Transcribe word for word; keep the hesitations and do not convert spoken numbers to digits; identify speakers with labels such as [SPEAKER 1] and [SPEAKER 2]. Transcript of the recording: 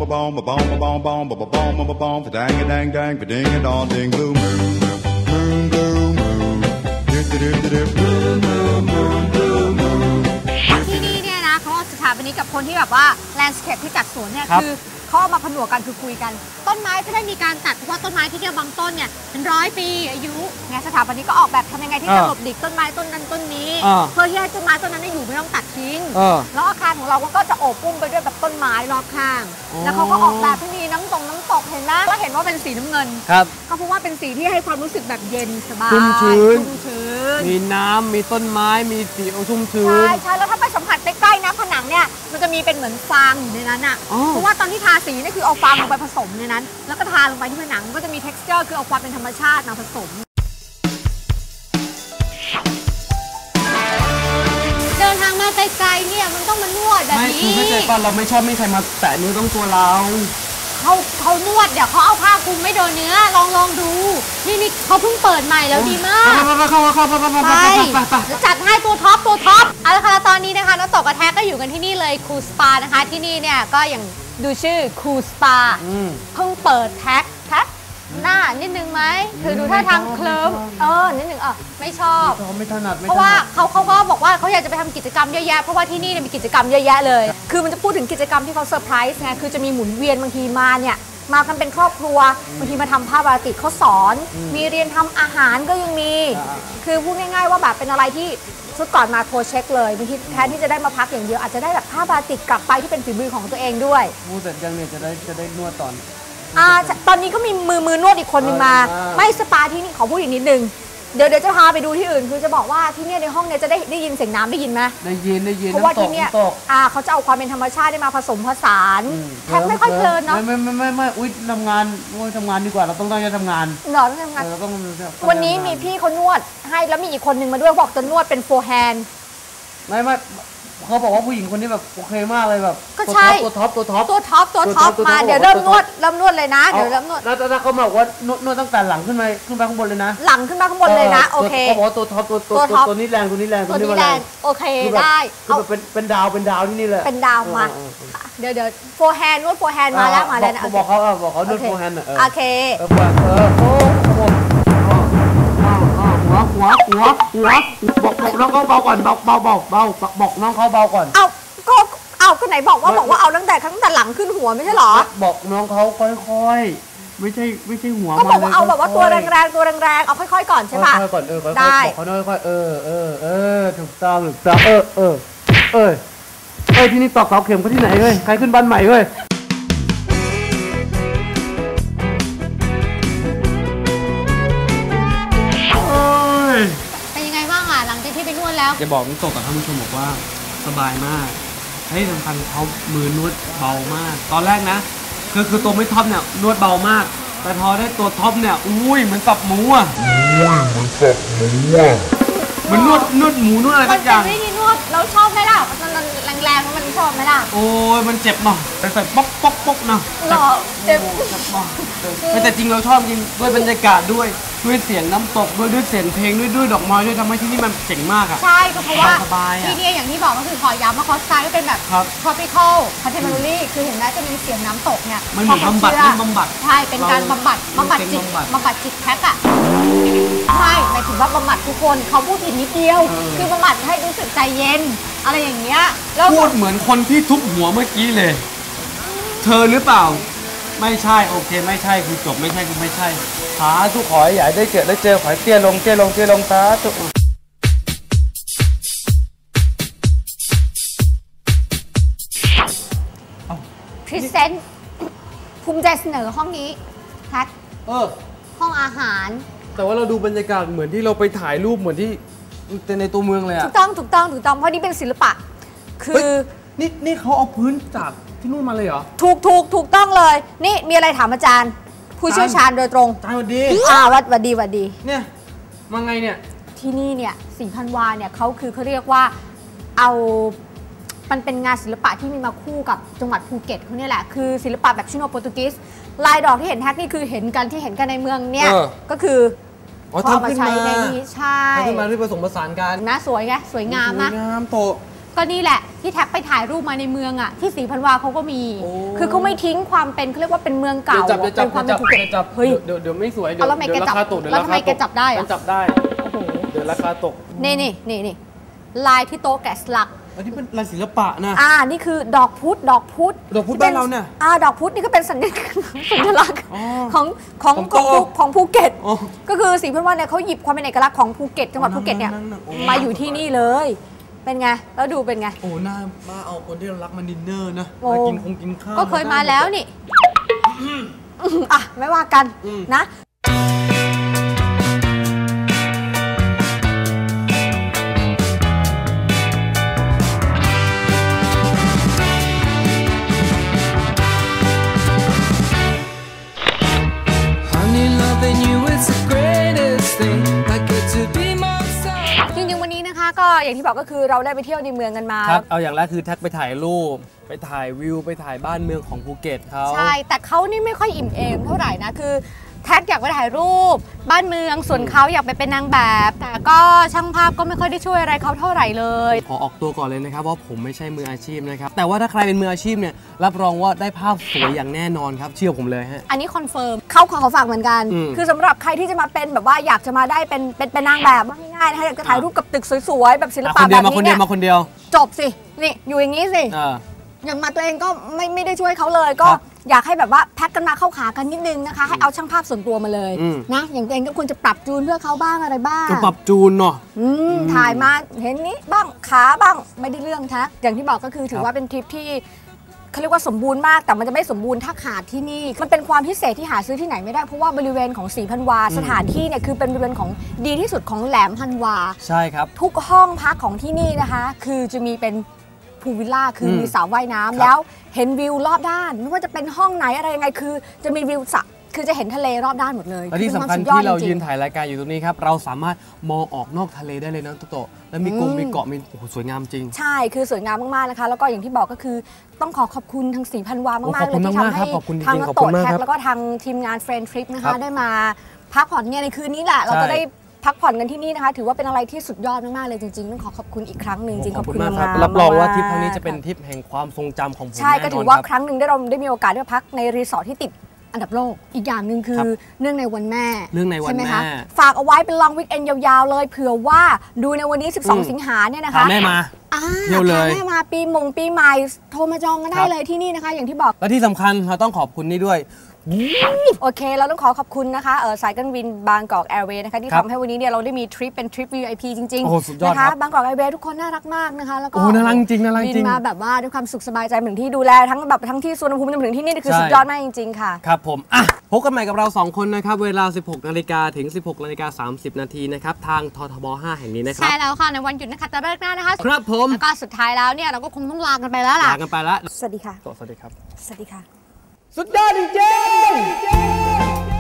[SPEAKER 1] ba bom ba bom ba bom bom ba ba bom ba ba bom ba dang a dang dang ba ding a dong ding blue moon moon blue moon do do do do blue moon moon blue moon
[SPEAKER 2] ที่นี่เนี่ยนะเขาสถาปนิกกับคนที่แบบว่าแลนด์สเคปที่จัดสวนเนี่ยคือเขาเอามาผนวกกันคือคุยกันต้นไม้จะได้มีการตัดเพราะว่าต้นไม้ที่เนี่ยบางต้นเนี่ยเป็นร้อยปีอายุไงสถาปนิกก็ออกแบบทำยังไงที่จะหลบดิกต้นไม้ต้นนั้นต้นนี้เพื่อที่ให้ต้นไม้ต้นนั้นอยู่ไม่ต้องตัดทิ้งแล้วอาคารของเราก็จะโอบปุ้มไปด้วยแบบต้นไม้รอบข้างแล้วเขาก็ออกแบบที่มีน้ำตกน้ำตกเห็นไหมก็เห็นว่าเป็นสีน้ำเงินครับก็เพราะว่าเป็นสีที่ให้ความรู้สึกแบบเย็นสบายชุ่มชื้น
[SPEAKER 3] มีน้ำมีต้นไม้มีสีชุ่มชื้น
[SPEAKER 2] ใช่ใช่แล้วถ้าไปสัมผัสใกล้ๆนะผนังเนี่ยมันจะมีเป็นเหมือนฟางอยู่ในนั้นอ่ะเพราะว่าตอนที่ทาสีนี่คือเอาฟางลงไปผสมในนั้นแล้วก็ทาลงไปที่ผนังก็จะมี texture คือเอาความเป็นธรรมชาติมาผสมเดินทางมาไกลๆเนี่ยมันต้องมานวดแบบนี้
[SPEAKER 3] ไม่คือเข้าใจป่ะเราไม่ชอบไม่ใครมาแตะนิ้วต้องตัวเรา
[SPEAKER 2] เขาเขานวดเดี๋ยวเขาเอาผ้าคลุมไม่โดนเนื้อลองลองดูนี่นี่เขาเพิ่งเปิดใหม่แล้วดีมาก
[SPEAKER 3] ไปเข้าเข้าเข้าไป
[SPEAKER 2] จัดให้ตัวท็อปตัวท็อปเอาละค่ะตอนนี้นะคะน้องตกกระแทกก็อยู่กันที่นี่เลยคูสปานะคะที่นี่เนี่ยก็อย่างดูชื่อคูสปาเพิ่งเปิดแท็กแท็กหน้านิดนึงไหมคือดูท่าทางเคลิ้มเออนิดนึงเออไม่ชอบ
[SPEAKER 3] ไม่ถนัด
[SPEAKER 2] เพราะว่าเขาเขาก็บอกว่าเขาอยากจะไปทำกิจกรรมเยอะแยะเพราะว่าที่นี่มีกิจกรรมเยอะแยะเลยคือมันจะพูดถึงกิจกรรมที่เขาเซอร์ไพรส์ไงคือจะมีหมุนเวียนบางทีมาเนี่ยมากันเป็นครอบครัวบางทีมาทำผ้าบาติกเขาสอนมีเรียนทำอาหารก็ยังมีคือพูดง่ายๆว่าแบบเป็นอะไรที่ชุดก่อนมาโทรเช็คเลยบางทีแทนที่จะได้มาพักอย่างเดียวอาจจะได้แบบผ้าบาติกกลับไปที่เป็นฝีมือของตัวเองด้วย
[SPEAKER 3] พูดแต่ยังเนี่ยจะได้จะได้นวดตอน
[SPEAKER 2] อ่าตอนนี้ก็มีมือมือนวดอีกคนนึงมาไม่สปาที่นี่ขอพูดอีกนิดนึงเดี๋ยวเดี๋ยวจะพาไปดูที่อื่นคือจะบอกว่าที่นี่ในห้องเนี่ยจะได้ได้ยินเสียงน้ำได้ยินไหม
[SPEAKER 3] ได้ยินได้ยิน
[SPEAKER 2] เพราะว่าที่นี่อ่าเขาจะเอาความเป็นธรรมชาติได้มาผสมผสานแทบไม่ค่อยเพลินเนาะ
[SPEAKER 3] ไม่ไม่ไม่ไม่อุ้ยทำงานทำงานดีกว่าเราต้องตั้งใจทำงาน
[SPEAKER 2] หรอต้องทำงานวันนี้มีพี่เขานวดให้แล้วมีอีกคนนึงมาด้วยบอกจะนวดเป็นโฟร์แฮนด์
[SPEAKER 3] ไม่ไม่เขาบอกว่าผู้หญิงคนนี้แบบโอเคมากเลยแบบตัวท็อปตัวท็อป
[SPEAKER 2] ตัวท็อปตัวท็อปมาเดี๋ยวเริ่มนวดเริ่มนวดเลยนะเดี๋ยวเริ่มนวด
[SPEAKER 3] แล้วแล้วเขาบอกว่านวดนวดตั้งแต่หลังขึ้นไปขึ้นไปข้างบนเลยนะ
[SPEAKER 2] หลังขึ้นมาข้างบนเลยนะโอเค
[SPEAKER 3] เขาบอกว่าตัวท็อปตัวตัวตัวนี้แรงตัวนี้แรง
[SPEAKER 2] ตัวนี้แรงโอเคได้
[SPEAKER 3] คือแบบเป็นเป็นดาวเป็นดาวที่นี่เลย
[SPEAKER 2] เป็นดาวมาเดี๋ยวเดี๋ยวโฟร์แฮนด์นวดโฟร์แฮนด์มาแล้วมาแล้วนะ
[SPEAKER 3] บอกเขาบอกเขานวดโฟร์แฮนด์
[SPEAKER 2] โอเค
[SPEAKER 3] เออเออโอ้หัวหัวหัวหัวบอกบอกน้องเขาเบาก่อนเบาเบาเบาเบาบอกน้องเขาเบาก่อน
[SPEAKER 2] เอาก็เอาก็ไหนบอกว่าบอกว่าเอาตั้งแต่ตั้งแต่หลังขึ้นหัวไม่ใช่หรอ
[SPEAKER 3] บอกน้องเขาค่อยๆไม่ใช่ไม่ใช่หัว
[SPEAKER 2] ก็บอกว่าเอาแบบว่าตัวแรงๆตัวแรงๆเอาค่อยๆก่อนใช่ป่ะ
[SPEAKER 3] ค่อยๆก่อนเออได้บอกเขาค่อยๆเออเออเออถูกต้องถูกต้องเออเออเออเออที่นี่ตอกเสาเข็มเขาที่ไหนเว้ยใครขึ้นบ้านใหม่เว้ย
[SPEAKER 2] เป็นยังไงบ้างอ่ะหลังจากที่ไปนวดแล้ว
[SPEAKER 3] จะบอกน้องตกกับท่านผู้ชมบอกว่าสบายมากให้สำคัญเขามือนวดเบามากตอนแรกนะคือคือตัวไม่ท็อปเนี่ยนวดเบามากแต่พอได้ตัวท็อปเนี่ยอุ้ยเหมือนสับหมูอ่ะอุ้ยเหมือนสับหมูอ่ะเหมือนนวดนวดหมูนวดอะไรสักอย่าง
[SPEAKER 2] มันเป็นวิธีนวดเราชอบไหมล่ะมันแรงๆมันชอบไหมล่ะ
[SPEAKER 3] โอ้ยมันเจ็บเนาะแต่ใส่ป๊อกป๊อกป๊อกนะ
[SPEAKER 2] หรอเจ็บ
[SPEAKER 3] แต่จริงเราชอบจริงด้วยบรรยากาศด้วยด้วยเสียงน้ำตกด้วยด้วยเสียงเพลงด้วยด้วยดอกไม้ด้วยทำให้ที่นี่มันเจ๋งมากอ่ะ
[SPEAKER 2] ใช่ก็เพราะว่าที่นี่อย่างที่บอกก็คือขอย้ำว่าคอสไตล์ก็เป็นแบบ tropical contemporary คือเห็นไหมจะมีเสียงน้ำตกเนี่ย
[SPEAKER 3] มันเหมือนบำบัดบำบัด
[SPEAKER 2] ใช่เป็นการบำบัดบำบัดจิตบำบัดจิตแท็กอ่ะใช่หมายถึงว่าบำบัดทุกคนเขาพูดผิดนิดเดียวคือบำบัดให้รู้สึกใจเย็นอะไรอย่างเงี้ย
[SPEAKER 3] แล้วพูดเหมือนคนที่ทุบหัวเมื่อกี้เลยเธอหรือเปล่าไม่ใช่โอเคไม่ใช่คือจบไม่ใช่คือไม่ใช่สาธุขอให้ใหญ่ได้เจอได้เจอขอให้เตี้ยลงเตี้ยลงเตี้ยลงสาธุ
[SPEAKER 2] พรีเซนต์ภูมิใจเสนอห้องนี้แท็ก
[SPEAKER 3] เออ
[SPEAKER 2] ห้องอาหาร
[SPEAKER 3] แต่ว่าเราดูบรรยากาศเหมือนที่เราไปถ่ายรูปเหมือนที่ในตัวเมืองเลยอะ
[SPEAKER 2] ถูกต้องถูกต้องถูกต้องเพราะนี่เป็นศิลปะคือ
[SPEAKER 3] นี่นี่เขาเอาพื้นจากที่นู่นมาเลยเหรอ
[SPEAKER 2] ถูกถูกถูกต้องเลยนี่มีอะไรถามอาจารย์ผู้เชี่ยวชาญโดยตรง
[SPEAKER 3] อาจารย์สวัสดี
[SPEAKER 2] อ่าวัดวัดดีวัดดี
[SPEAKER 3] เนี่ยมาไงเนี่ย
[SPEAKER 2] ที่นี่เนี่ยสีพันวาเนี่ยเขาคือเขาเรียกว่าเอามันเป็นงานศิลปะที่มีมาคู่กับจังหวัดภูเก็ตเขาเนี่ยแหละคือศิลปะแบบชิโนโปรตุเกสลายดอกที่เห็นแท็กนี่คือเห็นกันที่เห็นกันในเมืองเนี่ยก็คือเขาเอามาใช้ในนี้ใช่
[SPEAKER 3] ทำขึ้นมาที่ผสมผสานกัน
[SPEAKER 2] นะสวยไงสวยงามนะ
[SPEAKER 3] สวยงามโต
[SPEAKER 2] ก็นี่แหละที่แท็กไปถ่ายรูปมาในเมืองอ่ะที่ศรีพันวาเขาก็มีคือเขาไม่ทิ้งความเป็นเขาเรียกว่าเป็นเมืองเก่าเป็นความเป็นภูเก็ตเฮ้ย
[SPEAKER 3] เดี๋ยวเดี๋ยวไม่สวยเดี๋ยว
[SPEAKER 2] ราคาตกเดี๋ยวราคาตก
[SPEAKER 3] จับได้จับได้เดี๋ยวราคาตก
[SPEAKER 2] นี่นี่นี่นี่ลายที่โต๊ะแกะสลัก
[SPEAKER 3] อันนี้เป็นลายศิลปะนะ
[SPEAKER 2] อ่านี่คือดอกพุธดอกพุธ
[SPEAKER 3] ดอกพุธบ้านเราเนี่ย
[SPEAKER 2] อ่าดอกพุธนี่ก็เป็นสัญลักษณ์ของของของของภูเก็ตก็คือศรีพันวาเนี่ยเขาหยิบความเป็นเอกลักษณ์ของภูเก็ตจังหวัดภูเก็ตเนี่ยมาอยู่ที่นี่เลยเป็นไงแล้วดูเป็นไง
[SPEAKER 3] โอ้หน้ามาเอาคนที่เรารักมาดินเนอร์นะมากินคงกินข้าว
[SPEAKER 2] ก็เคยมาแล้วนี่อ่ะไม่ว่ากันนะจริงๆวันนี้นะคะก็อย่างที่บอกก็คือเราได้ไปเที่ยวในเมืองกันมา
[SPEAKER 3] ครับเอาอย่างแรกคือแท็กไปถ่ายรูปไปถ่ายวิวไปถ่ายบ้านเมืองของภูเก็ตเขา
[SPEAKER 2] ใช่แต่เขานี่ไม่ค่อยอิ่มเอมเท่าไหร่นะคือแท็กอยากไปถ่ายรูปบ้านเมืองส่วนเขาอยากไปเป็นนางแบบแต่ก็ช่างภาพก็ไม่ค่อยได้ช่วยอะไรเขาเท่าไหร่เลย
[SPEAKER 3] ขอออกตัวก่อนเลยนะครับว่าผมไม่ใช่มืออาชีพนะครับแต่ว่าถ้าใครเป็นมืออาชีพเนี่ยรับรองว่าได้ภาพสวยอย่างแน่นอนครับเชื่อผมเลยฮะ
[SPEAKER 2] อันนี้คอนเฟิร์มเขาขอเขาฝากเหมือนกันคือสำหรับใครที่จะมาเป็นแบบว่าอยากจะมาได้เป็นเป็นเป็นนางแบบง่ายๆนะคะอยากจะถ่ายรูปกับตึกสวยๆแบบศิลปะแบบนี้เนี่ย
[SPEAKER 3] มาคนเดียว
[SPEAKER 2] จบสินี่อยู่อย่างนี้สิอย่างมาตัวเองก็ไม่ไม่ได้ช่วยเขาเลยก็อยากให้แบบว่าแพ็กกันมาเข้าขากันนิดนึงนะคะให้เอาช่างภาพส่วนตัวมาเลยนะอย่างตัวเองก็ควรจะปรับจูนเพื่อเขาบ้างอะไรบ้าง
[SPEAKER 3] ก็ปรับจูนเนาะ
[SPEAKER 2] ถ่ายมาเห็นนี้บ้างขาบ้างไม่ได้เรื่องทักอย่างที่บอกก็คือถือว่าเป็นทริปที่เขาเรียกว่าสมบูรณ์มากแต่มันจะไม่สมบูรณ์ถ้าขาดที่นี่มันเป็นความพิเศษที่หาซื้อที่ไหนไม่ได้เพราะว่าบริเวณของศรีพันวาสถานที่เนี่ยคือเป็นบริเวณของดีที่สุดของแหลมพันวา
[SPEAKER 3] ใช่ครับ
[SPEAKER 2] ทุกห้องพักของที่นี่นะคะคือจะมีเป็นพูลวิลล่าคือมีสระว่ายน้ำแล้วเห็นวิวรอบด้านไม่ว่าจะเป็นห้องไหนอะไรยังไงคือจะมีวิวสระคือจะเห็นทะเลรอบด้านหมดเลย
[SPEAKER 3] และที่สำคัญที่เรายืนถ่ายรายการอยู่ตรงนี้ครับเราสามารถมองออกนอกทะเลได้เลยนะโตโตแล้วมีกลุ่มมีเกาะมีโอ้โหสวยงามจริง
[SPEAKER 2] ใช่คือสวยงามมากๆนะคะแล้วก็อย่างที่บอกก็คือต้องขอขอบคุณทางศรีพันวามากๆเลยที่ทำให้ทางโตแท็กแล้วก็ทางทีมงานเฟรนด์ทริปนะคะได้มาพักผ่อนเนี่ยในคืนนี้แหละเราจะได้พักผ่อนกันที่นี่นะคะถือว่าเป็นอะไรที่สุดยอดมากๆเลยจริงๆต้องขอขอบคุณอีกครั้งหนึ่งจริงขอบคุณมาก
[SPEAKER 3] รับรองว่าทริปครั้งนี้จะเป็นทริปแห่งความทรงจำของผม
[SPEAKER 2] ใช่ก็ถือว่าครั้งหนึ่งได้เราได้มีโอกาสได้พักในรีสอร์ทที่ติดอันดับโลกอีกอย่างหนึ่งคือเนื่องในวันแม่
[SPEAKER 3] เนื่องในวันแม่
[SPEAKER 2] ฝากเอาไว้เป็นลองวีคเอนด์ยาวๆเลยเผื่อว่าดูในวันนี้สิบสองสิงหาเนี่ยนะคะ
[SPEAKER 3] แม่มาเที่ยวเลย
[SPEAKER 2] แม่มาปีมงปีใหม่โทรมาจองกันได้เลยที่นี่นะคะอย่างที่บอก
[SPEAKER 3] และที่สำคัญเราต้องขอบคุณนี่ด้วย
[SPEAKER 2] โอเคเราต้องขอขอบคุณนะคะเออสายการบินบางกอกแอร์เวย์นะคะที่ทำให้วันนี้เนี่ยเราได้มีทริปเป็นทริป วี ไอ พี จริงๆนะคะบางกอกแอร์เวย์ทุกคนน่ารักมากนะคะแล้วก็
[SPEAKER 3] โอ้น่ารักจริงน่ารักจริง
[SPEAKER 2] บินมาแบบว่าด้วยความสุขสบายใจเหมือนที่ดูแลทั้งแบบทั้งที่สุวรรณภูมิจนถึงที่นี่คือสุดยอดมากจริงๆค่ะ
[SPEAKER 3] ครับผมอ่ะพบกันใหม่กับเราสองคนนะครับเวลา สิบหกนาฬิกา ถึง สิบหกนาฬิกาสามสิบนาทีนะครับทางททบห้าแห่งนี้นะครับ
[SPEAKER 2] ใช่แล้วค่ะในวันหยุดนะคะจะเลิกหน้านะคะ
[SPEAKER 3] ครับผม
[SPEAKER 2] แล้วก็สุดท้ายแล้วเนี่ยเราก็คงต้องลากันไปแล้วล่ะ
[SPEAKER 3] ลากันไปแล้ว
[SPEAKER 2] สวัสดีค่ะ
[SPEAKER 3] สวัสดีครับ
[SPEAKER 2] สวัสดีค่ะ
[SPEAKER 3] สุดยอดจริง